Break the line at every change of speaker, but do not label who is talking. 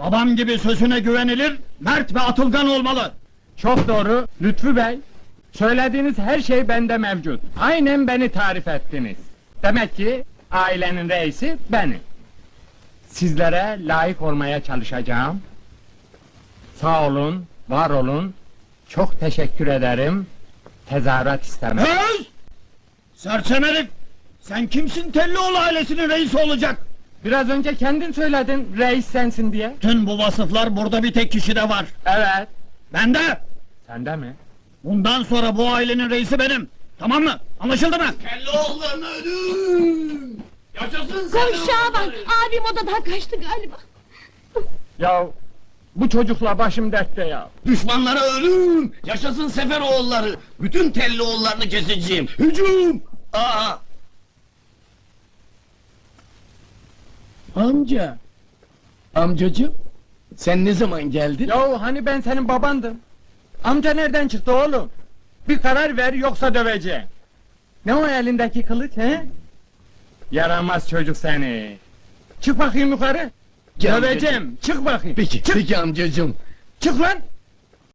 Babam gibi sözüne güvenilir, mert ve atılgan olmalı.
Çok doğru, Lütfü Bey. Söylediğiniz her şey bende mevcut. Aynen beni tarif ettiniz. Demek ki ailenin reisi benim. Sizlere layık olmaya çalışacağım. Sağ olun, var olun. Çok teşekkür ederim. Tezahürat istemem.
Öz! Sersem herif! Sen kimsin Tellioğlu ailesinin reisi olacak?
Biraz önce kendin söyledin, reis sensin diye.
Tüm bu vasıflar burada bir tek kişide var.
Evet.
Bende!
Sende mi?
Bundan sonra bu ailenin reisi benim. Tamam mı? Anlaşıldı mı?
Tellioğullarına ölüm! Yaşasın
Koş Şaban, abim odadan kaçtı galiba.
Ya bu çocukla başım dertte ya.
Düşmanlara ölüm! Yaşasın Seferoğulları! Bütün Tellioğullarını keseceğim! Hücum! Aa! Amca! Amcacığım! Sen ne zaman geldin?
Ya hani ben senin babandım. Amca nereden çıktı oğlum? Bir karar ver yoksa döveceğim. Ne o elindeki kılıç he? Yaramaz çocuk seni. Çık bakayım yukarı.
Gel
Döveceğim. Çık bakayım.
Peki,
Çık.
peki amcacığım.
Çık lan.